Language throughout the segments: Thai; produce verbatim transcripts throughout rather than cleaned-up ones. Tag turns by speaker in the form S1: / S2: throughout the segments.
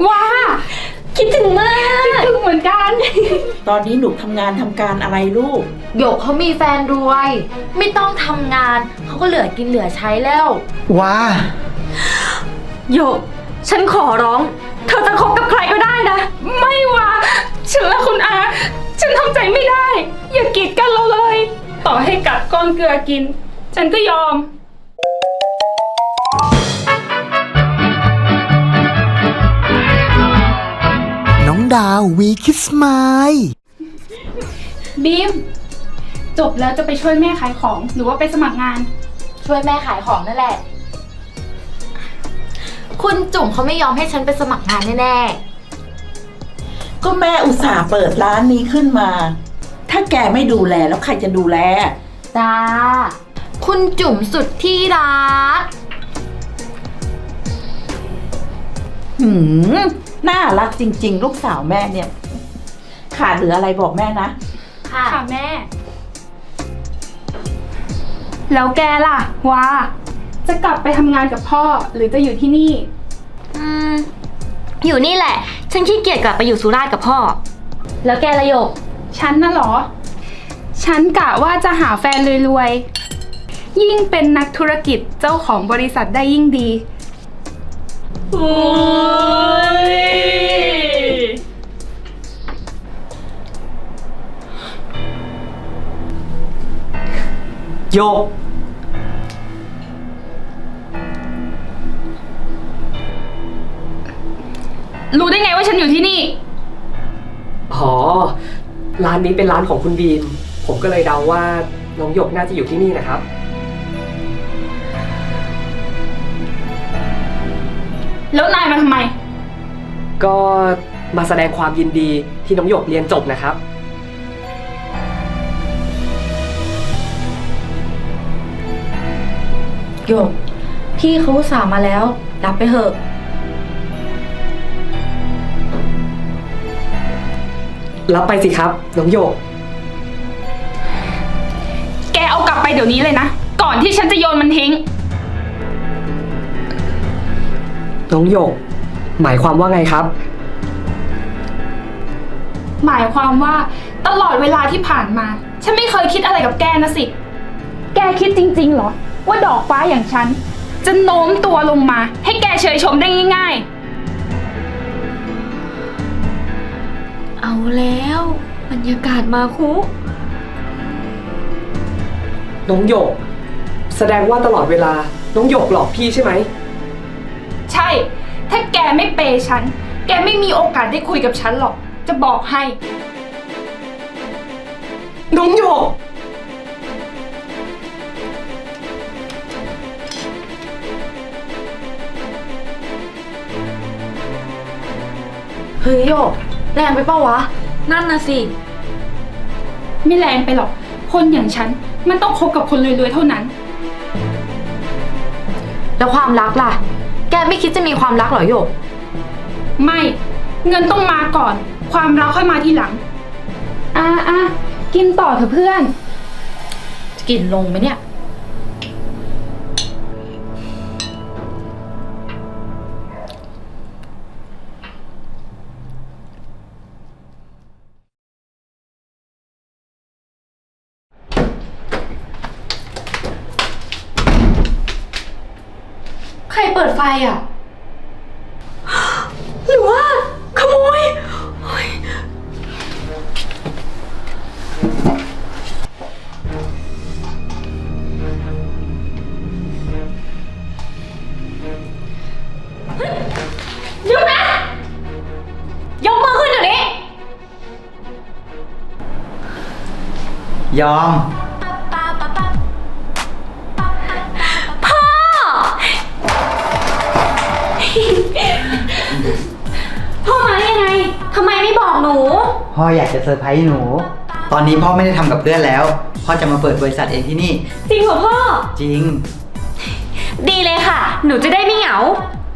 S1: ว้าคิดถึงมากคิดถึงเหมือนกัน
S2: ตอนนี้หนูทำงานทำการอะไรลูก
S3: หยกเขามีแฟนรวยไม่ต้องทำงานเขาก็เหลือกินเหลือใช้แล้ว
S4: ว้า
S1: หยกฉันขอร้องเธอจะคบกับใครก็ได้นะไม่ว่าฉันและคุณอาฉันทำใจไม่ได้อย่ากีดกันเราเลยต่อให้กัดก้อนเกลือกินฉันก็ยอม
S4: น้องดาววีคิสไมล์
S1: บีมจบแล้วจะไปช่วยแม่ขายของหรือว่าไปสมัครงาน
S3: ช่วยแม่ขายของนั่นแหละคุณจุ๋มเขาไม่ยอมให้ฉันไปสมัครงานแน่
S2: ก็แม่อุตส่าห์เปิดร้านนี้ขึ้นมาถ้าแกไม่ดูแลแล้วใครจะดูแล
S3: ๆจ้าคุณจุ๋มสุดที่รัก
S2: หืมน่ารักจริงๆลูกสาวแม่เนี่ยขาดเหลืออะไรบอกแม่นะ
S1: ค่ะค่ะแม่แล้วแกล่ะว่าจะกลับไปทำงานกับพ่อหรือจะอยู่ที่นี่
S3: อืมอยู่นี่แหละฉันขี้เกียจกลับไปอยู่สุราษฎร์กับพ่อแล้วแกละหยก
S1: ฉันน่ะเหรอฉันกะว่าจะหาแฟนรวยๆยิ่งเป็นนักธุรกิจเจ้าของบริษัทได้ยิ่งดีโอ้ย
S4: โยก
S1: รู้ได้ไงว่าฉันอยู่ที่นี่
S5: อ๋อร้านนี้เป็นร้านของคุณบีมผมก็เลยเดาว่าน้องหยกน่าจะอยู่ที่นี่นะครับ
S1: แล้วนายมาทำไม
S5: ก็มาแสดงความยินดีที่น้องหยกเรียนจบนะครับ
S3: หยกพี่เขาอุตส่าห์มาแล้วรับไปเถอะ
S5: รับไปสิครับน้องหยก
S1: แกเอากลับไปเดี๋ยวนี้เลยนะก่อนที่ฉันจะโยนมันทิ้ง
S5: น้องหยกหมายความว่าไงครับ
S1: หมายความว่าตลอดเวลาที่ผ่านมาฉันไม่เคยคิดอะไรกับแกนะสิแกคิดจริงๆเหรอว่าดอกฟ้าอย่างฉันจะโน้มตัวลงมาให้แกเชยชมได้ง่าย
S3: ๆเอาแล้วบรรยากาศมาคุ
S5: น้องหยกแสดงว่าตลอดเวลาน้องหยกหลอกพี่ใช่ไหม
S1: ใช่ถ้าแกไม่เปย์ฉันแกไม่มีโอกาสได้คุยกับฉันหรอกจะบอกให้
S5: น้องหยก
S3: เฮ้ยโยกแรงไปเปล่าวะนั่นน่ะสิ
S1: ไม่แรงไปหรอกคนอย่างฉันมันต้องคบกับคนรวยๆเท่านั้น
S3: แล้วความรักล่ะแกไม่คิดจะมีความรักเหรอโยก
S1: ไม่เงินต้องมาก่อนความรักค่อยมาทีหลังอ่ะอ่ะกินต่อเถอะเพื่อน
S3: กินลงไหมเนี่ยใครเปิดไฟอ่ะหรือว่าขโมยหยุดนะยกมือขึ้นเดี๋ยวนี้
S4: ยอม
S3: พ่อมาได้ยังไงทำไมไม่บอกหนู
S4: พ่ออยากจะเซอร์ไพรส์หนูตอนนี้พ่อไม่ได้ทำกับเพื่อนแล้วพ่อจะมาเปิดบริษัทเองที่นี่
S3: จริงเหรอพ่อ
S4: จริง
S3: ดีเลยค่ะหนูจะได้ไม่เหงา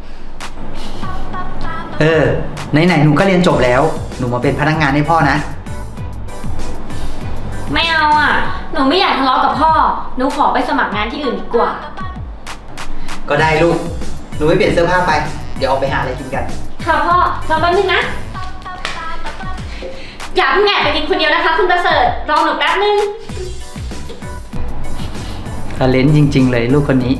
S4: เออไหนๆหนูก็เรียนจบแล้วหนูมาเป็นพนักงานให้พ่อนะ
S3: ไม่เอาอ่ะหนูไม่อยากทะเลาะกับพ่อหนูขอไปสมัครงานที่อื่นดีกว่า
S4: ก็ได้ลูกหนูไปเปลี่ยนเสื้อผ้าไปเดี๋ยวออกไปหาอะไรกินกัน
S3: คค่ะพ่อรอแป๊บนึงนะ อย่าเพิ่งแอบไปกินคนเดียวนะคะ คุณประเสริฐรอหนูแป๊บนึง
S4: ทาเลนต์จริง ๆ เลยลูกคนนี้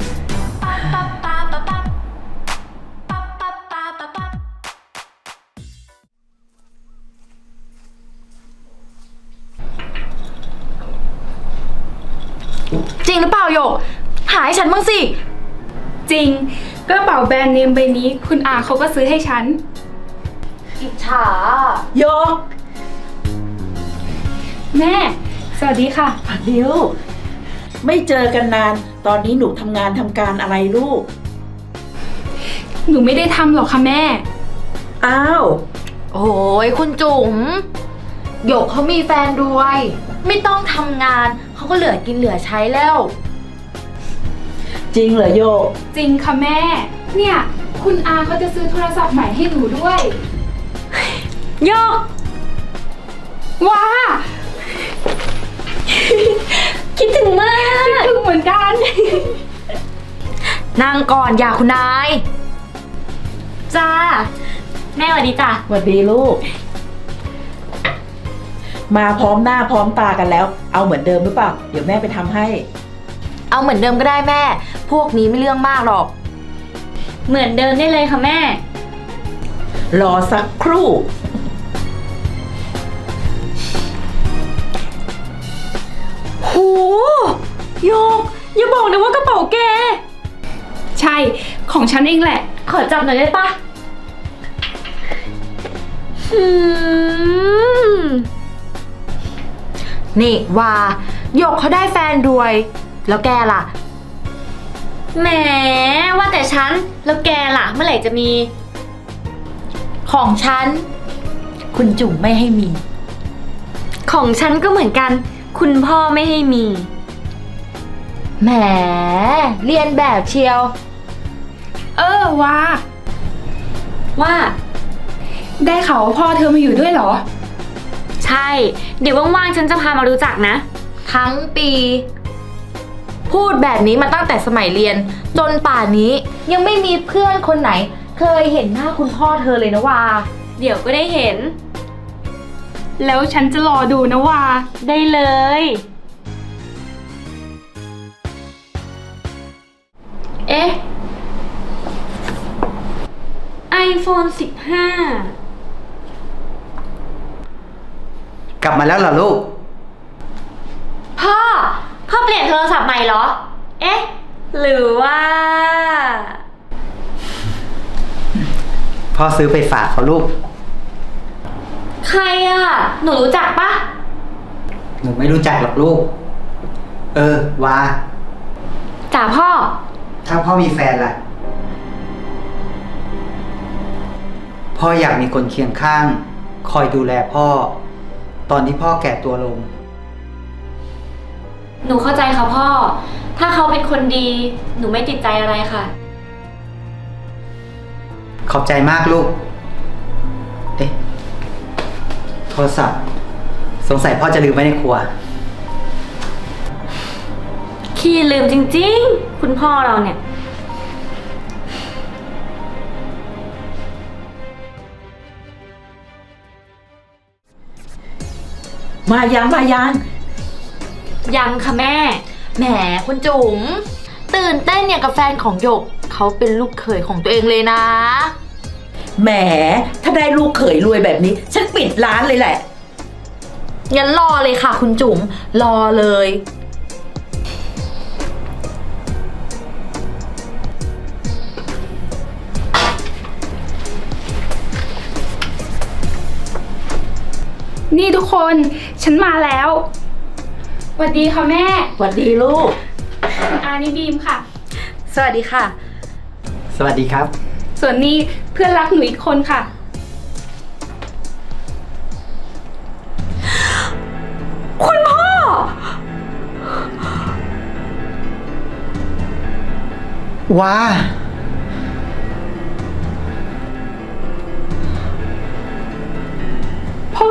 S6: จริงหรือเปล่าหยก หาให้ฉันบ้างสิ
S1: จริงกระเป๋าแบรนด์เนมใบนี้ คุณอาเขาก็ซื้อให้ฉัน
S6: อิจฉา
S2: โยก
S1: แม่ สวัสดีค่ะ
S2: ผักดิวไม่เจอกันนาน ตอนนี้หนูทำงานทำการอะไรลูก
S1: หนูไม่ได้ทำหรอกค่ะแม่
S2: อ้าว
S6: โอ้ยคุณจุ๋มหยกเขามีแฟนด้วย ไม่ต้องทำงานเขาก็เหลือกินเหลือใช้แล้ว
S2: จริงเหรอโยก
S1: จริงค่ะแม่ เนี่ย คุณอาเขาจะซื้อโทรศัพท์ใหม่ให้หนูด้วย
S3: โยก
S1: ว้า
S3: คิดถึงมาก
S1: คิดถึงเหมือนกัน
S6: นั่งก่อนอย่าคุณนาย
S3: จ้า แม่สวัสดีจ้ะ
S2: สวัสดีลูก มาพร้อมหน้าพร้อมตากันแล้ว เอาเหมือนเดิมหรือเปล่า เดี๋ยวแม่ไปทำให้
S6: เอาเหมือนเดิมก็ได้แม่ พวกนี้ไม่เรื่องมากหรอก
S3: เหมือนเดิมได้เลยค่ะแม่
S2: รอสักครู่
S3: โหโยก อย่าบอกนะว่ากระเป๋าแก
S1: ใช่ ของฉันเองแหละ
S3: ขอจับหน่อยได้ปะอืม
S6: นี่ว่าหยกเขาได้แฟนรวย แล้วแกล่ะ
S3: แหมว่าแต่ฉัน แล้วแกล่ะ เมื่อไหร่จะมี
S6: ของฉัน คุณจุ๋มไม่ให้มี
S3: ของฉันก็เหมือนกัน คุณพ่อไม่ให้มี
S6: แหม เรียนแบบเชียว
S1: เออว้า
S3: ว่า
S1: ได้ข่าวว่าพ่อเธอมาอยู่ด้วยเหรอ
S3: ใช่ เดี๋ยวว่างๆฉันจะพามารู้จักนะ
S6: ทั้งปี พูดแบบนี้มาตั้งแต่สมัยเรียน จนป่านนี้ยังไม่มีเพื่อนคนไหน เคยเห็นหน้าคุณพ่อเธอเลยนะวา
S3: เดี๋ยวก็ได้เห็น
S1: แล้วฉันจะรอดูนะว่า
S3: ได้เลย เอ๊ะ ไอโฟน สิบห้า
S4: กลับมาแล้วเหรอลูก
S3: พ่อ พ่อเปลี่ยนโทรศัพท์ใหม่เหรอ เอ๊ะ หรือว่า
S4: พ่อซื้อไปฝากเขาลูก
S3: ใครอ่ะ หนูรู้จักปะ
S4: หนูไม่รู้จักหรอกลูก เออวา
S3: จ่าพ่อ
S4: ถ้าพ่อมีแฟนล่ะ พ่ออยากมีคนเคียงข้าง คอยดูแลพ่อ ตอนที่พ่อแก่ตัวลง
S3: หนูเข้าใจค่ะพ่อ ถ้าเขาเป็นคนดี หนูไม่ติดใจอะไรค่ะ
S4: ขอบใจมากลูก เอ๊ะ โทรศัพท์ สงสัยพ่อจะลืมไว้ในครัว
S3: ขี้ลืมจริงๆ คุณพ่อเราเนี่ย
S2: มายังมายัง
S3: ยังค่ะแม่
S6: แหมคุณจุ๋มตื่นเต้นอย่างกับแฟนของหยก เขาเป็นลูกเขยของตัวเองเลยนะ
S2: แหม ถ้าได้ลูกเขยรวยแบบนี้ ฉันปิดร้านเลยแหละ
S6: งั้นรอเลยค่ะคุณจุ๋มรอเลย
S1: นี่ทุกคน ฉันมาแล้วสวัสดีค่ะแม่
S2: สวัสดีลูก
S1: คุณอานี่บีมค่ะ
S6: สวัสดีค่ะ
S4: สวัสดีครับ
S1: ส่วนนี้เพื่อนรักหนูอีกคนค่ะ
S3: คุณพ่อ
S4: ว้า
S1: พ่อ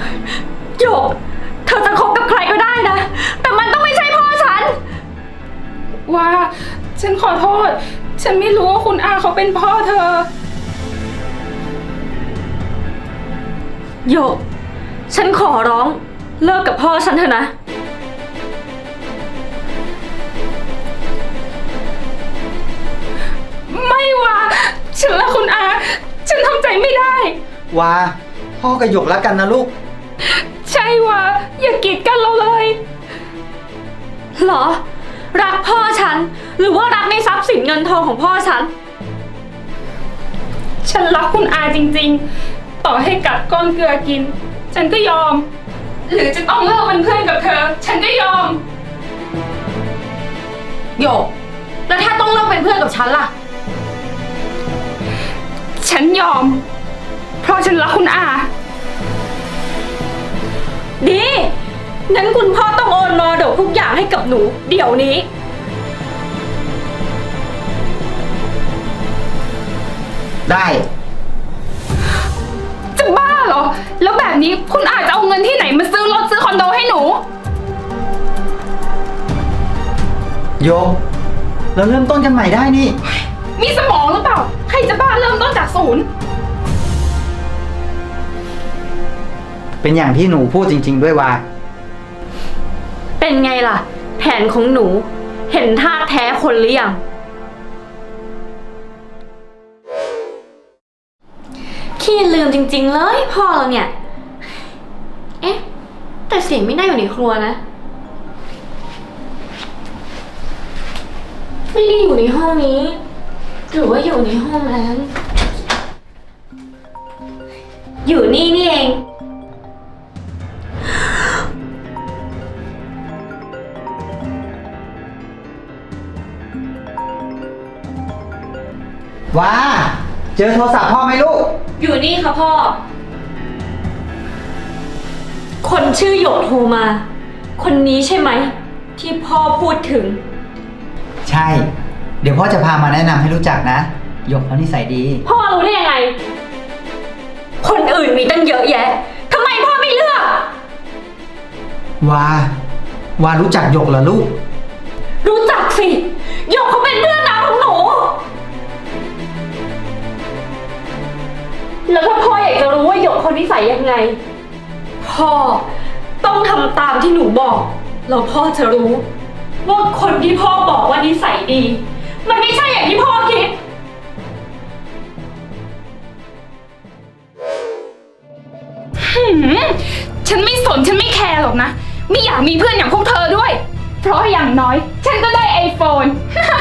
S3: หยก เธอจะคบกับใครก็ได้นะ แต่มันต้องไม่ใช่พ่อฉัน
S1: ว่าฉันขอโทษ ฉันไม่รู้ว่าคุณอาเขาเป็นพ่อเธอโยกฉันขอร้องเลิกกับพ่อฉันเถอะนะไม่ว่าฉันและคุณอาฉันทำใจไม่ได้
S4: วาพ่อกับหยกรักกันนะลูก
S1: ใช่ว่าอย่ากีดกันเราเลยเหรอรักพ่อฉันหรือว่ารักในทรัพย์สินเงินทองของพ่อฉันฉันรักคุณอาจริงๆต่อให้กัดก้อนเกลือกินฉันก็ยอมหรือจะต้องเลิกเป็นเพื่อนกับเธอฉันก็ยอม
S6: โยก แล้วถ้าต้องเลิกเป็นเพื่อนกับฉันล่ะ
S1: ฉันยอมเพราะฉันรักคุณอาดีงั้นคุณพ่อต้องโอนมรดกทุกอย่างให้กับหนูเดี๋ยวนี้
S4: ได้
S1: จะบ้าเหรอแล้วแบบนี้คุณอาจจะเอาเงินที่ไหนมาซื้อรถซื้อคอนโดให้หนู
S4: โยกเราเริ่มต้นกันใหม่ได้นี่
S1: มีสมองหรือเปล่าใครจะบ้าเริ่มต้นจากศูนย์
S4: เป็นอย่างที่หนูพูดจริงๆด้วยวา
S1: เป็นไงล่ะ แผนของหนูเห็นท่าแท้คนหรือยังขี้ลืมจริงๆเลยพ่อเราเนี่ยเอ๊ะแต่เสียงไม่ได้อยู่ในครัวนะไม่ได้อยู่ในห้องนี้หรือว่าอยู่ในห้องนั้นอยู่นี่นี่เอง
S4: ว้าเจอโทรศัพท์พ่อไหมลูก
S1: อยู่นี่ค่ะพ่อ คนชื่อหยกโทรมา คนนี้ใช่ไหม ที่พ่อพูดถึง
S4: ใช่ เดี๋ยวพ่อจะพามาแนะนำให้รู้จักนะหยกเขานิสัยดี
S1: พ่อรู้ได้ยังไง คนอื่นมีตั้งเยอะแยะทำไมพ่อไม่เลือก
S4: วา วารู้จักหยกเหรอลูก
S1: รู้จักสิหยกเขาเป็นเพื่อนรักของหนู แล้วถ้าพ่ออยากจะรู้ว่าหยกเขานิสัยยังไง พ่อต้องทำตามที่หนูบอก แล้วพ่อจะรู้ว่าคนที่พ่อบอกว่านิสัยดี มันไม่ใช่อย่างที่พ่อคิด หืมฉันไม่สนฉันไม่แคร์หรอกนะ ไม่อยากมีเพื่อนอย่างพวกเธอด้วย เพราะอย่างน้อย ฉันก็ได้ไอโฟน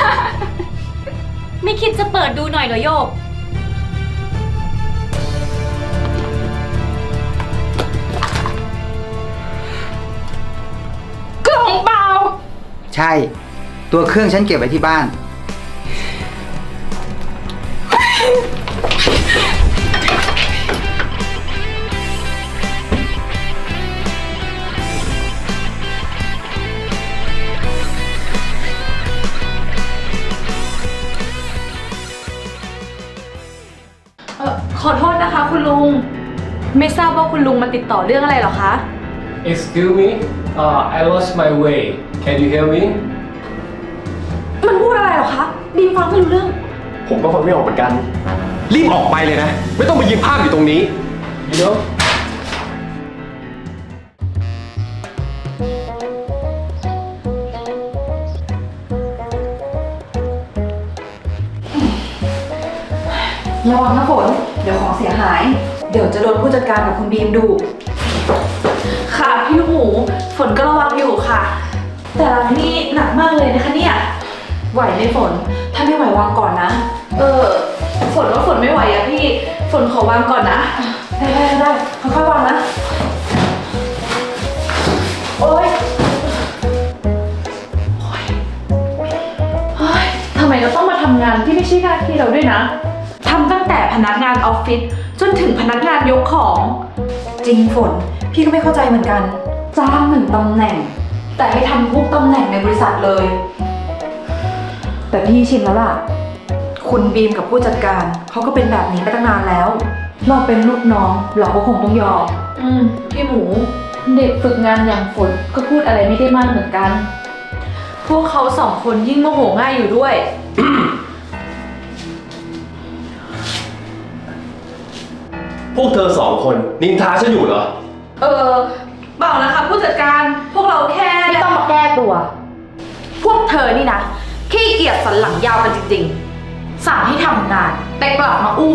S3: ไม่คิดจะเปิดดูหน่อยเหรอโยก
S1: กล่องเปล่า
S4: ใช่ ตัวเครื่องฉันเก็บไว้ที่บ้าน
S6: เออขอโทษนะคะคุณลุง ไม่ทราบว่าคุณลุงมาติดต่อเรื่องอะไรเหรอคะ
S7: Excuse me, uh, I lost my way. Can you hear me?
S6: มันพูดอะไรเหรอคะบีมฟังไม่รู้เรื่อง
S7: ผมก็ฟังไม่ออกเหมือนกัน รีบออกไปเลยนะ ไม่ต้องมายืนภาพอยู่ตรงนี้ you know
S6: ระวังนะฝน เดี๋ยวของเสียหาย เดี๋ยวจะโดนผู้จัดการกับคุณบีมดู ค่ะพี่ลูกหมู ฝนก็ระวังอยู่ค่ะ แต่นี่หนักมากเลยนะคะเนี่ย ไหวไหมฝน ถ้าไม่ไหววางก่อนนะ เออ ฝนว่าฝนไม่ไหวอะพี่ ฝนขอวางก่อนนะ ได้ได้ได้ค่อยๆวางนะ โอ๊ยโอ๊ยเฮ้ยทำไมเราต้องมาทำงานที่ไม่ใช่หน้าที่เราด้วยนะ ทำตั้งแต่พนักงานออฟฟิศจนถึงพนักงานยกของ จริงฝน พี่ก็ไม่เข้าใจเหมือนกัน จ้างหนึ่งตำแหน่ง แต่ให้ทำทุกตำแหน่งในบริษัทเลย แต่พี่ชินแล้วล่ะ คุณบีมกับผู้จัดการเขาก็เป็นแบบนี้มาตั้งนานแล้ว เราเป็นลูกน้องเราก็คงต้องยอม อืม พี่หมู เด็กฝึกงานอย่างฝนก็พูดอะไรไม่ได้มากเหมือนกันพวกเขาสองคนยิ่งโมโหง่ายอยู่ด้วย
S7: พวกเธอสองคนนินทาฉันอยู่เหรอ
S6: เออเปล่านะคะผู้จัดการ พวกเราแค่
S1: ไม่ต้องมาแก้ตัว พวกเธอนี่นะขี้เกียจสันหลังยาวกันจริงๆ สั่งให้ทำงานแต่กลับมาอู้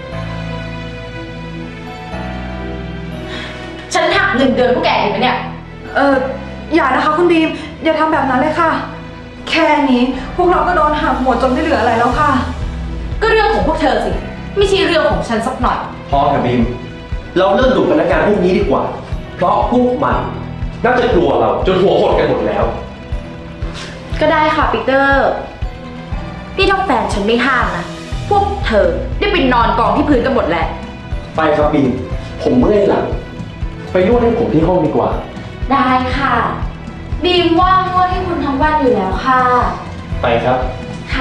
S1: ฉันหักเงินเดือนพวกแกเห็นไหมเนี่ย
S6: เอออย่านะคะคุณบีม อย่าทำแบบนั้นเลยค่ะ แค่นี้พวกเราก็โดนหักหมดจนไม่เหลืออะไรแล้วค่ะ
S1: ก็เรื่องของพวกเธอสิ ไม่ใช่เรื่องของฉันสักหน่อย
S7: พอค่ะบีม เราเลิกดุพนักงานพวกนี้ดีกว่า เพราะพวกมันน่าจะกลัวเราจนหัวหดกันหมดแล้ว
S1: ก็ได้ค่ะปีเตอร์นี่ถ้าแฟนฉันไม่ห้ามนะ พวกเธอได้ไปนอนกองที่พื้นกันหมดแล้ว
S7: ไปครับบีม ผมเมื่อยหลัง ไปนวดให้ผมที่ห้องดีกว่า
S3: ได้ค่ะ บีมว่างนวดให้คุณทั้งวันอยู่แล้วค่ะ
S7: ไปครับ
S3: ค่ะ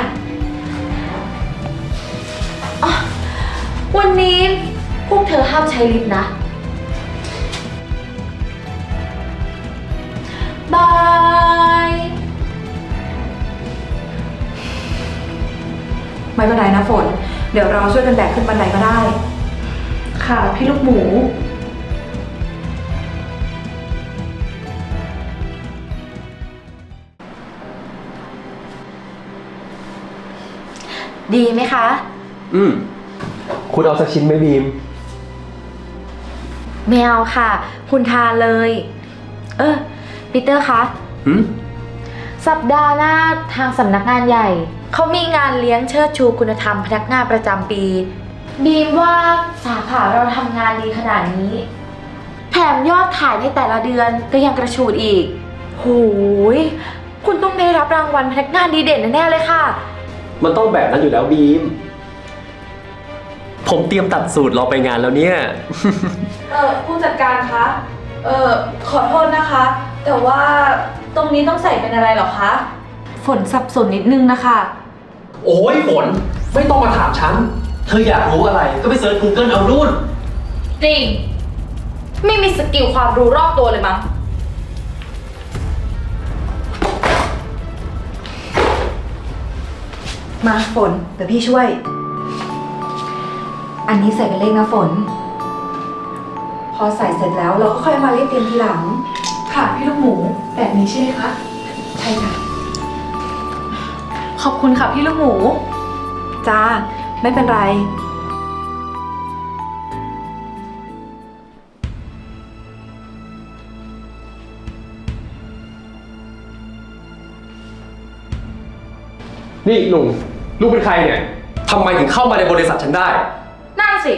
S1: วันนี้พวกเธอห้ามใช้ลิฟต์นะ บาย
S6: ไม่เป็นไรนะฝน เดี๋ยวเราช่วยกันแบกขึ้นบันไดก็ได้ ค่ะพี่ลูกหมู
S1: ดีไหมคะ
S7: อืม คุณเอาสักชิ้นไหมบีม
S1: ไม่เอาค่ะ คุณทานเลย เออปีเตอร์คะ
S7: หืม
S1: สัปดาห์หน้าทางสำนักงานใหญ่ เขามีงานเลี้ยงเชิดชูคุณธรรมพนักงานประจำปี บีมว่าสาขาเราทำงานดีขนาดนี้ แถมยอดขายในแต่ละเดือนก็ยังกระชูดอีกโหยคุณต้องได้รับรางวัลพนักงานดีเด่นแน่ๆเลยค่ะ
S7: มันต้องแบบนั้นอยู่แล้วบีม ผมเตรียมตัดสูตรรอไปงานแล้วเนี่ย
S6: เออผู้จัดการคะ เออขอโทษนะคะ แต่ว่าตรงนี้ต้องใส่เป็นอะไรเหรอคะ ฝนสับสนนิดนึงนะคะ
S7: โอ้ยฝน ไม่ต้องมาถามฉัน เธออยากรู้อะไรก็ไปเซิร์ช Google เอานู่น
S1: จริง ไม่มีสกิลความรู้รอบตัวเลยมั้ง
S6: มาฝนเดี๋ยวพี่ช่วย อันนี้ใส่เป็นเลขนะฝน พอใส่เสร็จแล้วเราก็ค่อยมาเรียกเตรียมทีหลัง ค่ะพี่ลูกหมูแบบนี้ใช่ไหมคะ ใช่ค่ะ ขอบคุณค่ะพี่ลูกหมู จ้า ไม่เป็นไร
S7: นี่ลุงลุงเป็นใครเนี่ยทำไมถึงเข้ามาในบริษัทฉันได้
S1: นั่นสิ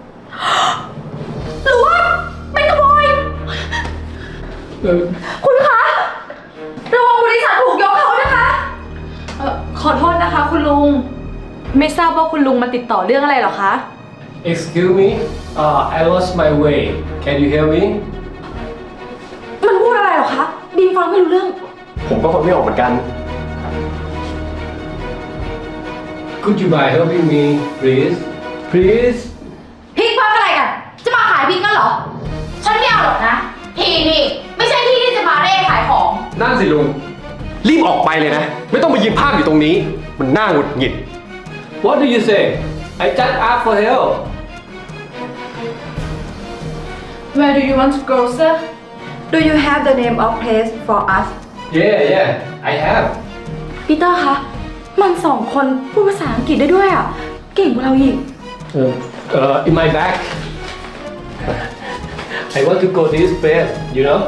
S1: หรือว่าเป็นขโมย
S7: เออ
S1: คุณคะ ระวังบริษัทถูกยกเขานะคะ
S6: เออขอโทษนะคะคุณลุง ไม่ทราบว่าคุณลุงมาติดต่อเรื่องอะไรเหรอคะ
S8: Excuse me, uh, I lost my way. Can you hear me?
S6: มันพูดอะไรเหรอคะบีมฟังไม่รู้เรื่อง
S7: ผมก็ฟังไม่ออกเหมือนกัน
S8: Could you mind helping me, please? Please?
S1: พริกพักอะไรกัน จะมาขายพริกนั่นเหรอ ฉันไม่เอาหรอกนะ ที่นี่ไม่ใช่ที่ที่จะมาเร่ขายของ
S7: นั่นสิลุง รีบออกไปเลยนะ ไม่ต้องมายืนภาพอยู่ตรงนี้ มันน่าหงุดหงิด
S8: What do you say? I just asked for help.
S6: Where do you want to go sir Do you have the name of place for us
S8: Yeah, yeah, I have.
S6: ปีเตอร์คะ มันสองคนพูดภาษาอังกฤษได้ด้วยอ่ะ เก่งกว่าเราอีก
S8: Uh, uh, in my bag. I want to go this place, you know?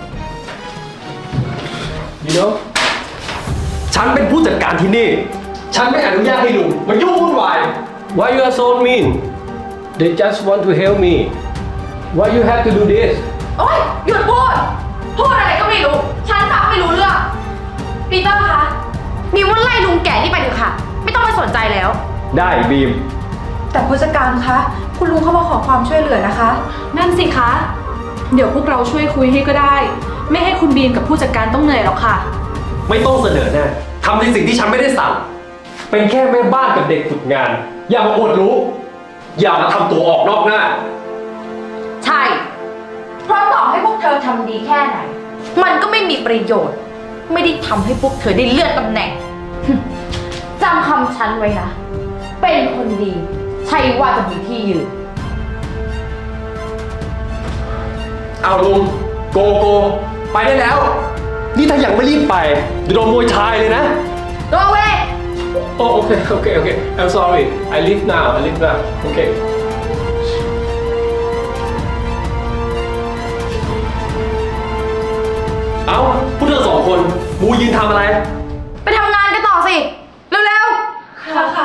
S8: You know?
S7: ฉันเป็นผู้จัดการที่นี่ ฉันไม่อนุญาตให้ลุงมายุ่งวุ่นวาย
S8: Why you are so mean? They just want to help me. Why you have to do this?
S1: โอ๊ยหยุดพูด พูดอะไรก็ไม่รู้ ฉันฟังไม่รู้เรื่อง ปีเตอร์คะมีว่าไล่ลุงแก่นี่ไปเถอะค่ะ ไม่ต้องไปสนใจแล้ว
S7: ได้บีม
S6: แต่ผู้จัดการคะ คุณลุงเขามาขอความช่วยเหลือนะคะ นั่นสิคะ เดี๋ยวพวกเราช่วยคุยให้ก็ได้ ไม่ให้คุณบีมกับผู้จัดการต้องเหนื่อยหรอกค่ะ
S7: ไม่ต้องเสนอหน้าทำในสิ่งที่ฉันไม่ได้สั่ง เป็นแค่แม่บ้านกับเด็กฝึกงาน อย่ามาอวดรู้ อย่ามาทำตัวออกนอกหน้า
S1: ใช่ เพราะต่อให้พวกเธอทำดีแค่ไหน มันก็ไม่มีประโยชน์
S6: ไม่ได้ทำให้พวกเธอได้เลื่อนตำแหน่ง จำคำฉันไว้นะ เป็นคนดี ใช่ว่าจะมีที่ยืน
S7: เอาลุงโกโก ไปได้แล้ว นี่ถ้ายังไม่รีบไปเดี๋ยวโดนมวยชายเลยนะ
S6: Go away
S8: Oh, okay, okay, okay. I'm sorry. I leave now. I leave now. Okay.
S7: เอ้าพวกเธอสองคนมูยืนทำอะไร
S6: ไปทำงานกันต่อสิ เร็วๆ ค่ะค่ะ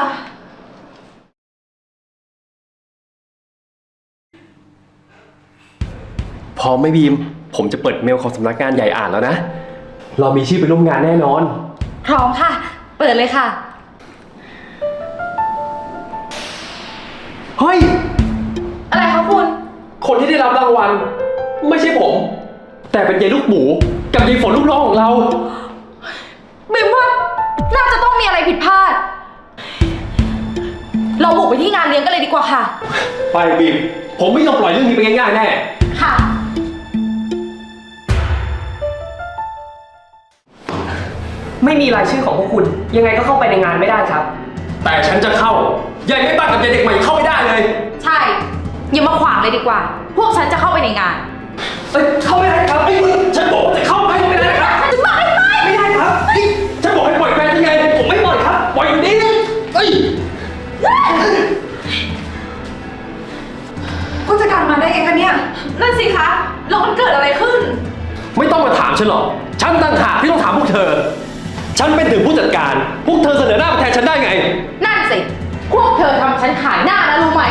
S7: พร้อมไหมบีม ผมจะเปิดเมลของสำนักงานใหญ่อ่านแล้วนะ เรามีชื่อไปร่วมงานแน่นอน
S6: พร้อมค่ะ เปิดเลยค่ะ
S7: เฮ้ย
S6: อะไรคะคุณ
S7: คนที่ได้รับรางวัล ไม่ใช่ผม แต่เป็นยายลูกหมู กับยายฝนลูกน้องของเรา
S6: บิมว่าน่าจะต้องมีอะไรผิดพลาด เราบุกไปที่งานเลี้ยงกันเลยดีกว่าค่ะ
S7: ไปบีม ผมไม่ยอมปล่อยเรื่องนี้ไปง่ายๆแน่
S6: ค่ะ
S5: ไม่มีรายชื่อของพวกคุณ ยังไงก็เข้าไปในงานไม่ได้ครับ
S7: แต่ฉันจะเข้ายายไม่บ้านกับยายเด็กใหม่เข้าไม่ได้เลย
S6: ใช่ อย่ามาขวางเลยดีกว่า พวกฉันจะเข้าไปในงาน
S7: เอ้ยเข้าไม่ได้ครับไอ้ยฉันบอกว่าจะเข้าไปไม่ได้ครับ
S6: ฉันบอกให้ไป
S7: ไม่ได้ครับเฮ้ยฉันบอกให้ปล่อยแฟนยังไง ผมไม่ปล่อยครับ ปล่อยอยู่นี่เอ้ย
S6: ผู้จัดการมาได้ไงคะเนี่ย นั่นสิคะแล้วมันเกิดอะไรขึ้น
S7: ไม่ต้องมาถามฉันหรอก ฉันต่างหากที่ต้องถามพวกเธอ ฉันเป็นถึงผู้จัดการ พวกเธอเสนอหน้ามาแทนฉันได้ไง
S6: นั่นสิ พวกเธอทำฉันขายหน้านะรู้ไหม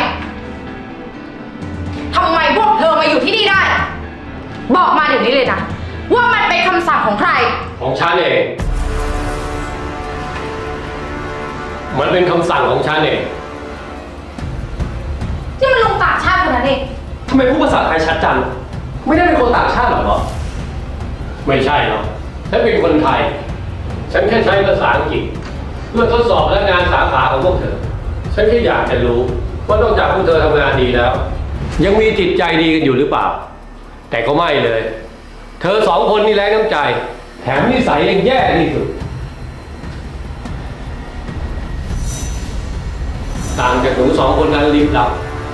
S6: ทำไมพวกเธอมาอยู่ที่นี่ได้ บอกมาเดี๋ยวนี้เลยนะ ว่ามันเป็นคำสั่งของใคร
S8: ของฉันเอง มันเป็นคำสั่งของฉันเอง
S6: ที่มันลงต่างชาติคนนั้นเอง
S7: ทำไมพูดภาษาไทยชัดจัง ไม่ได้เป็นคนต่างชาติหรอ
S8: ไม่ใช่หรอกฉันเป็นคนไทย ฉันแค่ใช้ภาษาอังกฤษเพื่อทดสอบพนักงานสาขาของพวกเธอ ฉันแค่อยากจะรู้ว่านอกจากพวกเธอทำงานดีแล้ว ยังมีจิตใจดีกันอยู่หรือเปล่า แต่ก็ไม่เลย เธอสองคนนี่แรงน้ำใจ แถมนิสัยยังแย่ที่สุด ต่างจากหนูสองคนนั้นลิบลับ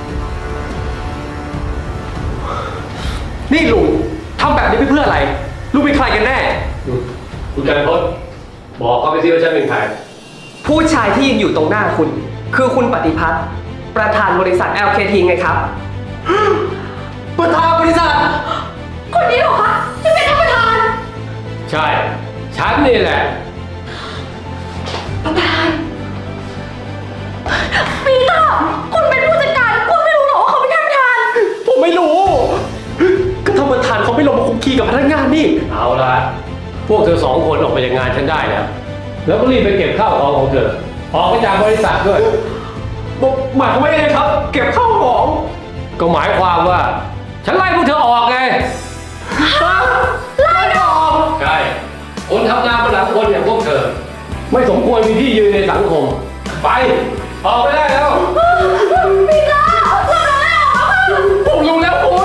S7: นี่ลุงทำแบบนี้ไปเพื่ออะไร ลุงเป็นใครกันแน่
S8: คุณกันพจน์บอกเขาไปสิว่าฉันเป็นใคร
S5: ผู้ชายที่ยืนอยู่ตรงหน้าคุณ คือคุณปฏิพัฒน์ประธานบริษัท แอล เค ที ไงครับ
S7: ประธานบริษัท
S6: คนนี้เหรอคะที่เป็นท่านประธาน
S8: ใช่ ฉันนี่แหละ
S6: ประธานปีเตอร์คุณเป็นผู้จัดการ คุณไม่รู้เหรอว่าเขาเป็นท่านประธาน
S7: ผมไม่รู้ ก็ท่านประธานเขาไม่ลงมาคุกคีกับพนักงานนี่
S8: เอาละพวกเธอสองคนออกไปจากงานฉันได้แล้ว แล้วก็รีบไปเก็บข้าวของของเธอ ออกไปจากบริษัทด้วย
S7: บอกหมายความว่ายังไงครับ เก็บข้าวของ
S8: ก็หมายความว่า ฉันไล่พวกเธอออกไง
S7: ไล่ออก
S8: ใช่ คนทำงานมาหลังคนอย่างพวกเธอ ไม่สมควรมีที่ยืนในสังคม ไป ออกไปได้แล้ว
S6: ปีเตอร์เราโดนไล่ออกแล้วค่ะ
S7: ผมรู้แล้วคุณ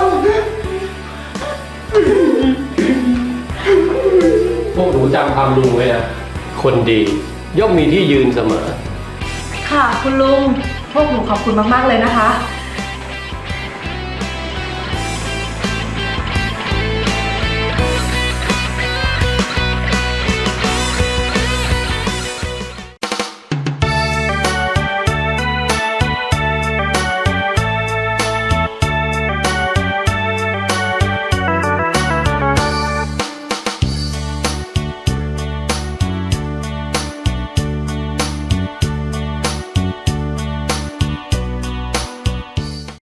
S8: พวกหนูจำคำลุงไว้นะ คนดีย่อมมีที่ยืนเสมอ
S6: ค่ะ คุณลุง พวกหนูขอบคุณมากๆเลยนะคะ